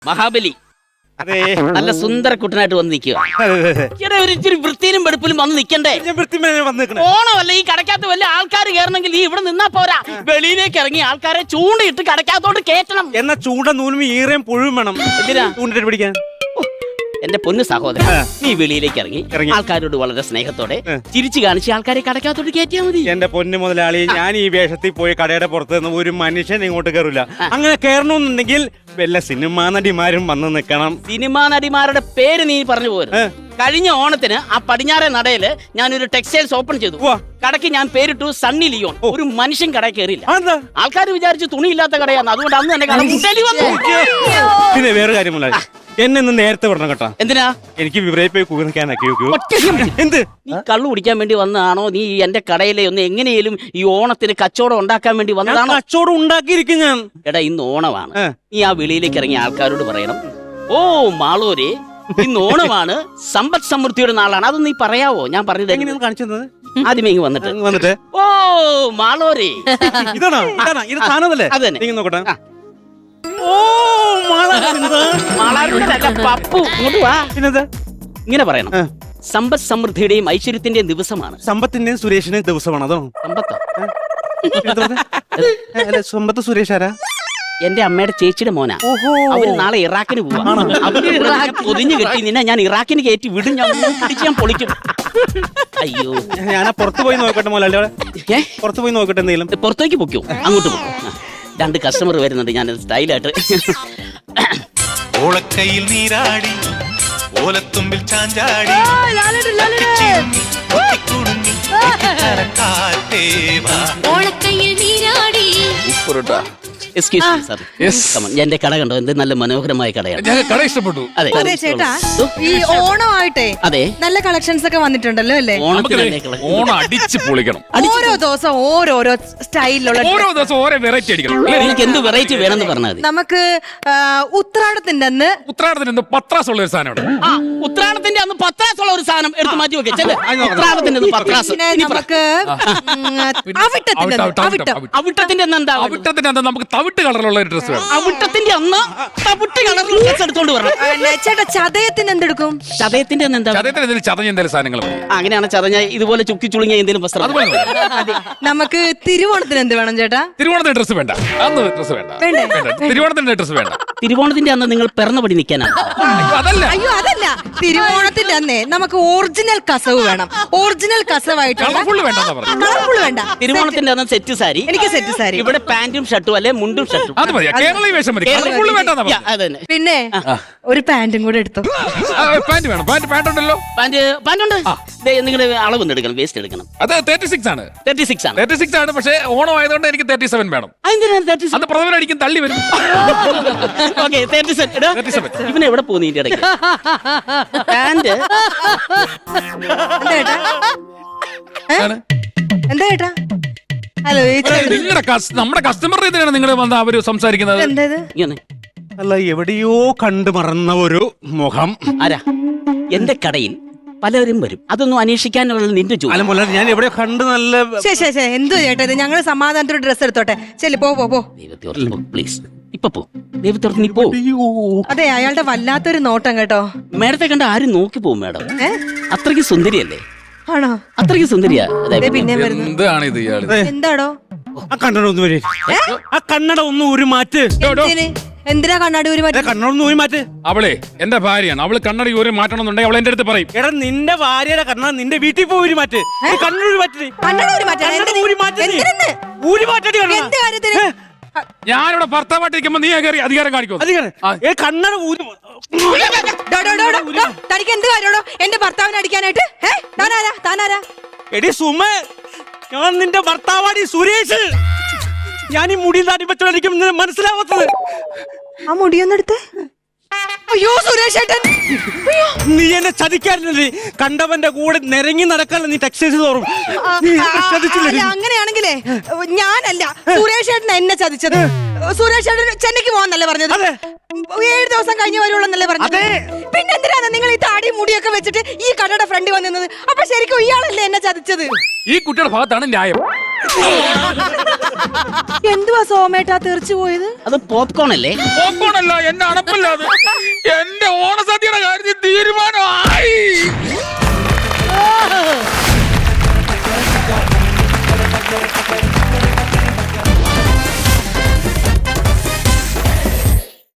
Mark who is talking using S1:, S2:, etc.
S1: മഹാബലി നല്ല സുന്ദര കുട്ടനായിട്ട് വന്ന് നിൽക്കുക. ഒരു ഇച്ചിരി വൃത്തിയിലും വെടുപ്പിലും വന്ന് നിൽക്കണ്ടേ? ഓണമല്ല, ഈ കടക്കകത്ത് വല്ല ആൾക്കാർ കയറണമെങ്കിൽ ഈ ഇവിടെ നിന്നാ പോരാ, വെളിയിലേക്ക് ഇറങ്ങി ആൾക്കാരെ ചൂണ്ടയിട്ട് കടക്കകത്തോട്ട് കേറ്റണം.
S2: എന്നാ ചൂണ്ട നൂലും ഈറയും പുഴുവും വേണം.
S1: എന്തിനാ
S2: ചൂണ്ടിട്ട് പിടിക്കാൻ?
S1: എന്റെ പൊന്നു സഹോദരൻ, നീ വെളിയിലേക്ക് ഇറങ്ങി ആൾക്കാരോട് വളരെ സ്നേഹത്തോടെ ചിരിച്ചു കാണിച്ച് ആൾക്കാരെ കടക്കകത്തോട്ട് കയറ്റിയാൽ മതി.
S2: എന്റെ പൊന്നു മുതലാളി, ഞാൻ ഈ വേഷത്തിൽ പോയി കടയുടെ പുറത്ത് നിന്ന് ഒരു മനുഷ്യൻ ഇങ്ങോട്ട് കയറില്ല. അങ്ങനെ കയറണമെന്നുണ്ടെങ്കിൽ വല്ല സിനിമാ നടിമാരും വന്ന് നിൽക്കണം.
S1: സിനിമാ നടിമാരുടെ പേര് നീ പറഞ്ഞു പോരും. കഴിഞ്ഞ ഓണത്തിന് ആ പടിഞ്ഞാറെ നടയില് ഞാനൊരു ടെക്സ്റ്റൈൽസ് ഓപ്പൺ ചെയ്തു. കടയ്ക്ക് ഞാൻ പേരിട്ടു സണ്ണി ലിയോൺ. ഒരു മനുഷ്യൻ കടയിൽ കയറിയില്ല. ആൾക്കാർ വിചാരിച്ചു തുണിയില്ലാത്ത കടയാണ്. അതുകൊണ്ട് അന്ന് തന്നെ കട മുട്ടലി വന്നു.
S2: പിന്നെ വേറെ കാര്യമല്ല, എന്നെ ഒന്ന് നേരത്തെ വിടണം കേട്ടോ.
S1: എന്തിനാ?
S2: എനിക്ക് വിവരയിൽ പോയി കുതിർക്കാനൊക്കെ. എന്ത്?
S1: നീ കള്ളു കുടിക്കാൻ വേണ്ടി വന്നതാണോ? നീ എന്റെ കടയിലെ ഒന്ന് എങ്ങനെയും ഈ ഓണത്തിന് കച്ചവടം ഉണ്ടാക്കാൻ വേണ്ടി വന്നതാണോ?
S2: കച്ചവടം ഉണ്ടാക്കിയിരിക്കും ഞാൻ.
S1: എടാ, ഇന്ന് ഓണമാണ്. നീ ആ വെളിയിലേക്ക് ഇറങ്ങിയ ആൾക്കാരോട് പറയണം, ഓ മാളൂരെ, ഇന്ന് ഓണമാണ്, സമ്പദ് സമൃദ്ധിയുടെ നാളാണ്. അതൊന്നും നീ പറയാവോ? ഞാൻ പറഞ്ഞത്
S2: എങ്ങനെയാണ് കാണിച്ചത്?
S1: ആദ്യമേ ഇങ്ങ് വന്നിട്ട് ഓ മാളൂരെ,
S2: ഇതാണോ ഇത് സാധനമല്ലേ?
S1: അത് തന്നെ.
S2: നോക്കട്ടെ. ഓ
S1: പപ്പു, ഇങ്ങോട്ട് വാ.
S2: പിന്നെന്താ
S1: ഇങ്ങനെ പറയണം, സമ്പദ് സമൃദ്ധിയുടെയും ഐശ്വര്യത്തിന്റെയും ദിവസമാണ്.
S2: സമ്പത്തിന്റെയും സുരേഷിന്റെയും ദിവസമാണ്. അതോ
S1: സമ്പത്തോ?
S2: സമ്പത്ത് സുരേഷ് ആരാ?
S1: എന്റെ അമ്മയുടെ ചേച്ചിയുടെ മോനാ. അവര് നാളെ ഇറാഖിന് പോവാ. അവര് പൊതിഞ്ഞു കെട്ടി നിന്നെ ഞാൻ ഇറാഖിന് കയറ്റി വിടും. ഞാൻ പൊളിക്കും. അയ്യോ,
S2: ഞാൻ പുറത്തു പോയി നോക്കട്ടെ മോലാളി. പുറത്തു പോയി നോക്കട്ടെ. എന്തെങ്കിലും
S1: പുറത്തേക്ക് പൊക്കോ? അങ്ങോട്ട് പോകും. രണ്ട് കസ്റ്റമർ വരുന്നുണ്ട്. ഞാൻ സ്റ്റൈലായിട്ട്
S3: ഓളക്കയിൽ നീരാടി ഓലത്തുമ്പിൽ ചാഞ്ചാടി
S4: ഓളക്കയിൽ നീരാടി.
S1: Excuse me sir. എന്റെ കട കണ്ടോ? എന്ത് നല്ല മനോഹരമായ കടയാണ്.
S5: കട ഇഷ്ടപ്പെട്ടു.
S6: അതെ ചേട്ടാ, ഈ ഓണമായിട്ടെ
S1: അതെ
S6: നല്ല കളക്ഷൻസ് ഒക്കെ വന്നിട്ടുണ്ടല്ലോ അല്ലേ?
S5: ഓണം അടിച്ച് പൊളിക്കണം.
S6: ഓരോ ദിവസം ഓരോരോ സ്റ്റൈലിലുള്ള,
S5: ഓരോ ദിവസം ഓരോ വെറൈറ്റി അടിക്കണം.
S1: നിങ്ങൾക്ക് എന്ത് വെറൈറ്റി വേണമെന്ന് പറഞ്ഞാൽ മതി.
S6: നമുക്ക് ഉത്രാടത്തിന്റെ അന്ന്
S5: പത്രാസ് ഉള്ള ഒരു സാധനം.
S1: ഉത്രാടത്തിന്റെ അന്ന് പത്രാസ് ഉള്ള ഒരു സാധനം എടുത്ത് മാറ്റി വെക്കേ. ഉത്രാടത്തിന്റെ പത്രാസ്.
S6: പിന്നെ നമുക്ക്
S1: അവിട്ടത്തിന്റെ എന്താ?
S5: അവിട്ടത്തിന്റെ അന്ന് നമുക്ക് തവിട്ട് കളറിലുള്ള ഒരു ഡ്രസ് വേണം.
S1: അവിട്ടത്തിന്റെ അന്ന് തവിട്ട് കളറിലുള്ള ഡ്രസ് എടുത്തോണ്ട് വരണം.
S6: ചേട്ടാ, ചതയത്തിന് എന്തെടുക്കും?
S1: ചതയത്തിന്റെ അന്ന് എന്താ?
S5: ചതയത്തിന് എന്തെങ്കിലും ചതഞ്ഞ എന്തെങ്കിലും സാധനങ്ങൾ.
S1: അങ്ങനെയാണ് ചതഞ്ഞ ഇതുപോലെ ചുക്കി ചുളുങ്ങിയ എന്തെങ്കിലും വസ്ത്രം.
S6: നമുക്ക് തിരുവോണത്തിന് എന്ത് വേണം ചേട്ടാ?
S5: തിരുവോണത്തിന്റെ ഡ്രസ് വേണ്ട. അന്ന് ഡ്രസ് വേണ്ട. തിരുവോണത്തിന്റെ ഡ്രസ് വേണ്ട.
S1: തിരുവോണത്തിന്റെ അന്ന് നിങ്ങൾ പിറന്നപടി നിൽക്കാനാണ്.
S5: അതല്ല.
S6: അയ്യോ, അതല്ല. തിരുവോണത്തിന്റെ അന്നേ നമുക്ക് ഒറിജിനൽ കസവ് വേണം. ഒറിജിനൽ കസവായിട്ടുള്ള
S5: കളർഫുൾ വേണ്ട.
S1: തിരുവോണത്തിന്റെ അന്ന് സെറ്റ് സാരി.
S6: എനിക്ക് സെറ്റ് സാരി.
S1: ഇവിടെ പാന്റും ഷർട്ടും അല്ലെ മുണ്ടും ഷർട്ടും.
S5: അത് മതി. കേരളീയ വേഷം മതി. കളർഫുൾ വേണ്ട.
S6: പിന്നെ ഒരു പാന്റും കൂടെ എടുത്തു.
S5: പാന്റ് വേണം. പാന്റ് ഉണ്ടല്ലോ.
S1: പാന്റ് ഉണ്ട്. നിങ്ങളുടെ അളവൊന്നും എടുക്കണം, വേസ്റ്റ് എടുക്കണം.
S5: അത് 36 ആണ്.
S1: 36 ആണ്.
S5: 36 ആണ്. പക്ഷേ ഓണം ആയതുകൊണ്ട് എനിക്ക് 37 വേണം. അത് പ്രഥമനടിക്കും തള്ളി വരും.
S1: ഇവനെ എവിടെ പോകുന്നു ഇതിന്റെ ഇടയ്ക്ക്? പാന്റ്
S6: എന്താ ചേട്ടാ? ഹലോ,
S5: നമ്മുടെ കസ്റ്റമർ ഇതിനാണ് നിങ്ങൾ വന്ന് അവര് സംസാരിക്കുന്നത്.
S6: എന്തായത്?
S2: അല്ല, എവിടെയോ കണ്ടു മറന്ന ഒരു മുഖം.
S1: ആരാ? എന്റെ കടയിൽ പലരും വരും. അതൊന്നും അന്വേഷിക്കാനുള്ള നിന്റെ ജോലി.
S2: അല്ല മോളെ, ഞാൻ എവിടെയോ കണ്ട് നല്ല.
S6: എന്തോ ചേട്ടാ ഇത്? ഞങ്ങള് സമാധാനത്തോടെ ഡ്രസ് എടുത്തോട്ടെ. ചെല്ലി പോ.
S1: പ്ലീസ്, ഇപ്പൊ പോ. ദൈവത്തോർത്ത് നീ പോ.
S6: അതെ, അയാളുടെ വല്ലാത്തൊരു നോട്ടം കേട്ടോ.
S1: മേഡത്തെ കണ്ട ആരും നോക്കി പോകും മേഡം. അത്രയ്ക്ക് സുന്ദരിയല്ലേ?
S6: ആണോ?
S1: അത്രയ്ക്ക് സുന്ദരിയാ.
S6: പിന്നെ വരുന്നു.
S5: എന്താണ് ഇത് ഇയാള്?
S6: എന്താടോ?
S2: ആ കണ്ണട ഒന്ന് വരെ. ആ കണ്ണട ഒന്ന് ഒരു മാറ്റ്.
S6: എന്തിനാ കണ്ണാടി ഒരു മാറ്റ്?
S2: കണ്ണട ഒന്ന് ഒരു മാറ്റ്.
S5: അവളെ എന്റെ ഭാര്യയാണ്. അവള് കണ്ണടി ഒരു മാറ്റണമെന്നുണ്ടെങ്കിൽ അവൾ എന്റെ അടുത്ത് പറയും.
S2: എടാ, നിന്റെ ഭാര്യയുടെ കണ്ണട നിന്റെ വീട്ടിൽ പോയി ഒരു മാറ്റ്. കണ്ണൂരി മാറ്റി.
S5: ഞാനിവിടെ ഭർത്താവായിട്ടിരിക്കുമ്പോ നീ കയറി അധികാരം കാണിക്കും.
S2: കണ്ണട ഊരി.
S6: തനിക്ക് എന്ത് കാര്യമാണോ എന്റെ ഭർത്താവിനെ അടിക്കാനായിട്ട്? താനാരാ?
S2: എടി സുമ, ഞാൻ നിന്റെ ഭർത്താവാടി സുരേഷ്. ഞാൻ ഈ മുടി താടിപ്പച്ചോടിക്കും മനസ്സിലാവാത്തത്.
S6: ആ മുടിയൊന്നെടുത്ത്. അയ്യോ സുരേഷ് ഏട്ടൻ,
S2: നീ എന്നെ ചതിക്കാറില്ലേ? കണ്ടവന്റെ കൂടെ നിരങ്ങി നടക്കാനല്ല നീ ടെക്സ്റ്റൈൽസ് തോറും.
S6: അങ്ങനെയാണെങ്കിലേ ഞാനല്ല, സുരേഷ് ഏട്ടൻ എന്നെ ചതിച്ചത്. സുരേഷ് ഏട്ടൻ ചെന്നൈക്ക് പോവാന്നല്ലേ പറഞ്ഞത്? 7 ദിവസം കഴിഞ്ഞ് വരുള്ളൂന്നല്ലേ പറഞ്ഞത്? പിന്നെ എന്തിനാണ് നിങ്ങൾ ഈ താടി മുടിയൊക്കെ വെച്ചിട്ട് ഈ കടയുടെ ഫ്രണ്ട് വന്നിരുന്നത്? അപ്പൊ ശരിക്കും ഇയാളല്ലേ എന്നെ ചതിച്ചത്?
S5: ഈ കുട്ടിയുടെ ഭാഗത്താണ് ന്യായം.
S6: എന്തുവാ സോമേട്ടാ തെറിച്ചു പോയത്?
S1: അത് പോപ്കോൺ അല്ലേ?
S5: പോപ്കോൺ അല്ല, എന്റെ അണപ്പല്ല അത്.